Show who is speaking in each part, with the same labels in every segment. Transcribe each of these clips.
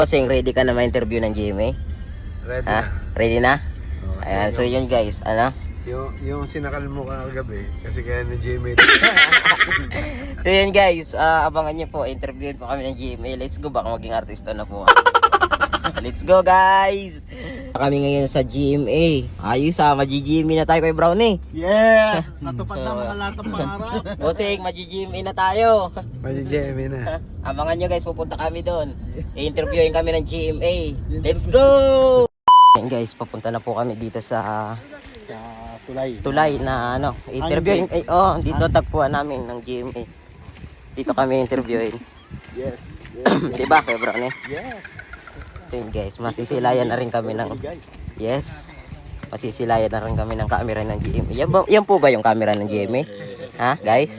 Speaker 1: Bossing, ready ka na ma-interview ng GMA?
Speaker 2: Ready
Speaker 1: Ha?
Speaker 2: na.
Speaker 1: Ready na?
Speaker 2: Oh,
Speaker 1: Ayan, so yun guys, ano?
Speaker 2: Yung sinakal mo kagabi, kasi kaya ni Jamie.
Speaker 1: So yun guys, abangan nyo po, interviewin po kami ng GMA. Let's go, baka maging artista na po. Let's go guys! Kami ngayon sa GMA. Ayos mag-GMA na tayo kay Brownie.
Speaker 3: Yes! Natupad na mga lahat ng pangarap.
Speaker 1: Bossing, mag-GMA na tayo.
Speaker 2: Mali Jamie na.
Speaker 1: Abangan nyo guys, pupunta kami doon. I-interviewin kami ng GMA. Let's go! Ayan guys, papunta na po kami dito sa tulay na ano, interviewin. Dito tagpuan namin ng GMA. Dito kami interviewin.
Speaker 3: Yes.
Speaker 1: Diba, kay Brownie?
Speaker 3: Yes.
Speaker 1: So yun guys, masisilayan na rin kami ng masisilayan na rin kami ng camera ng GMA. Yan po ba yung camera ng GMA? Ha, guys?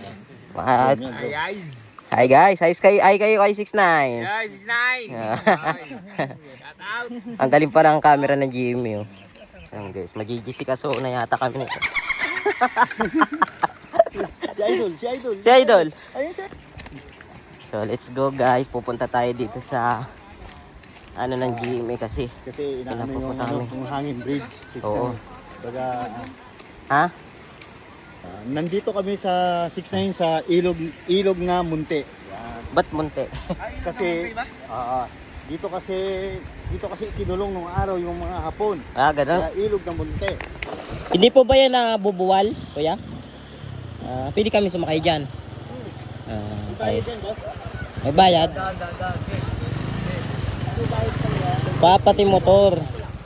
Speaker 1: Hi guys, hi kayo kay 69.
Speaker 3: Yes, 69.
Speaker 1: Ang galing pa ng camera ng GMA. Oh. Ayan guys, magigisi kaso na yata kami nito.
Speaker 3: Si Idol.
Speaker 1: Si Idol.
Speaker 3: Ayun siya.
Speaker 1: So let's go guys, pupunta tayo dito sa ano ng GMA kasi
Speaker 3: inaano
Speaker 1: pinapupunta kami.
Speaker 3: yung hangin bridge.
Speaker 1: Oo.
Speaker 3: Baga,
Speaker 1: Ha?
Speaker 3: nandito kami sa 69 sa ilog na Munti. Yan.
Speaker 1: Ba't munti?
Speaker 3: Kasi dito kasi kinulong nung araw yung mga Hapon.
Speaker 1: Ganun.
Speaker 3: Kaya ilog na Munti.
Speaker 1: Hindi po ba yan nabubuwal, kuya? Pwede kami sumakay dyan. Okay. May bayad? Papati motor.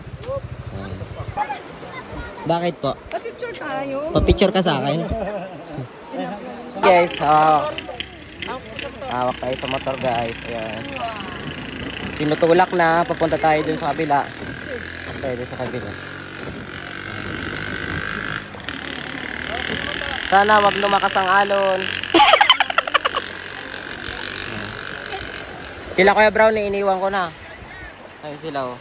Speaker 1: Bakit po?
Speaker 4: Pa-picture tayo.
Speaker 1: Pa-picture ka sa akin? Guys, hawak tayo sa motor guys. Ayan. Tinutulak na, papunta tayo dun sa kabila. Tayo dun sa kabila. Sana wag lumakas ang alon. Sila Kuya Brownie, iniwan ko na. Ayun sila oh.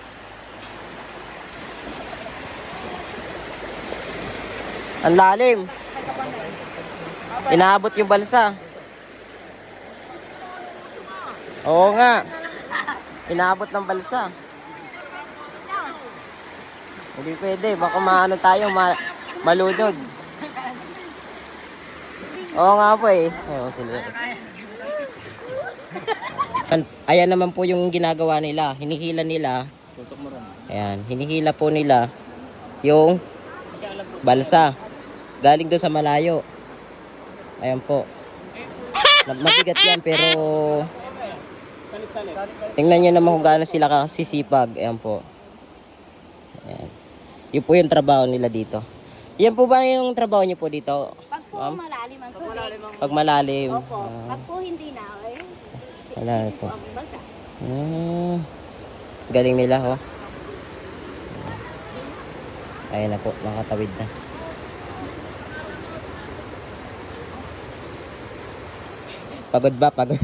Speaker 1: Ang lalim. Inaabot yung balsa. Oo nga. Inaabot ng balsa. Hindi pwede, baka maano tayo, malunod. Oo nga po eh. Ayun sila. Ayan naman po yung ginagawa nila. Hinihila nila. Ayan, hinihila po nila yung balsa. Galing doon sa malayo. Ayan po. Mabigat yan pero tingnan nyo naman kung gaano sila kasisipag. Ayan po. Ayan. Yun po yung trabaho nila dito. Yan po ba yung trabaho nyo po dito?
Speaker 4: Pag po malalim ang tubig.
Speaker 1: Pag malalim.
Speaker 4: Opo. Pag po hindi na,
Speaker 1: Wala po.
Speaker 4: ang basa.
Speaker 1: Galing nila ho. Ayan na po, nakatawid na. Pagod ba? Pagod.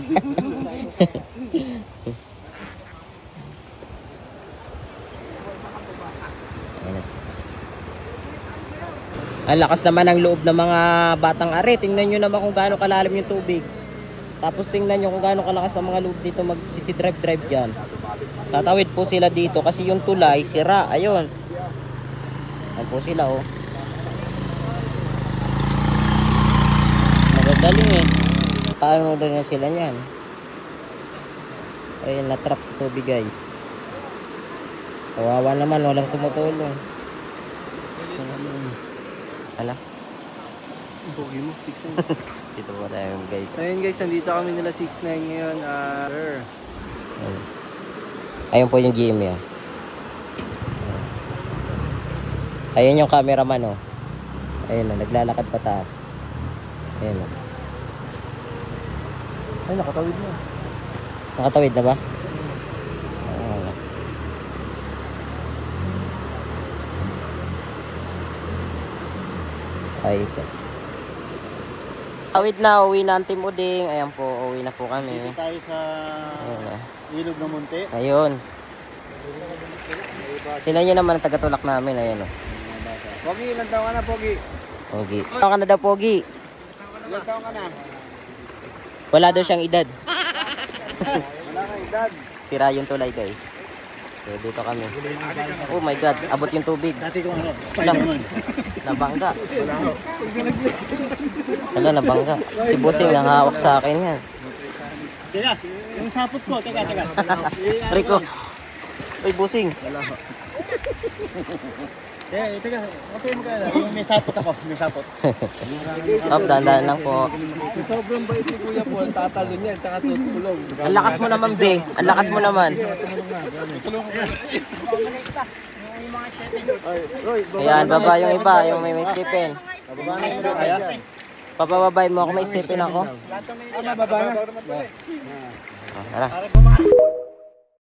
Speaker 1: Ayan na. Ang lakas naman ang loob ng mga batang are. Tingnan nyo naman kung gaano kalalim yung tubig. Tapos tingnan nyo kung gaano kalakas ang mga loob dito magsisi-drive dyan. Tatawid po sila dito kasi yung tulay sira. Ayun. Ayan po sila oh. Magagaling eh. Paano na sila niyan? Ayun, na-trap sa tubig guys. Kawawa naman, walang tumutulong. Hala.
Speaker 3: Pogi mo, 69.
Speaker 1: Dito po tayo guys.
Speaker 3: Ayun guys, nandito kami nila 69 ngayon.
Speaker 1: Ayun po yung GMA oh. Ayun yung cameraman oh. Ayun oh, naglalakad pataas. Ayun oh.
Speaker 3: Ay, nakatawid na.
Speaker 1: Nakatawid na ba? Ayos oh. Tawid na, uwi na ang Team Uding. Ayan po, uwi na po kami.
Speaker 3: Dito tayo sa ilog na Munti.
Speaker 1: Ayun. Tingnan nyo naman ang tagatulak namin. Ayun oh.
Speaker 3: Pogi, ilan taon ka na, Pogi?
Speaker 1: Pogi. Ilan ka na daw, Pogi?
Speaker 3: Ilan taon ka na?
Speaker 1: Wala daw siyang edad.
Speaker 3: Wala ka Baliktad.
Speaker 1: Sira yung tulay guys. So dito kami. Oh my god, abot yung tubig.
Speaker 3: Dati kong ano, Spider-Man.
Speaker 1: Nabangga. Wala, nabangga. Si Busing nakahawak sa akin yan.
Speaker 3: Teka, yung sapot ko. Teka.
Speaker 1: Rico. Uy, Busing.
Speaker 3: Wala ho. Teka, okay mo ka na. Yung may sapot ako, may sapot.
Speaker 1: Up, dahan-dahan lang po.
Speaker 2: Sobrang bait ni Kuya Paul, tatalo niya, tsaka tutulong.
Speaker 1: Ang lakas mo naman, Be. Ang lakas mo naman. Ayan, baba yung iba, yung may Stephen.
Speaker 3: Bababa na yung kaya.
Speaker 1: Papababay mo ako, may Stephen ako.
Speaker 3: Bababa na.
Speaker 1: Oh, tara.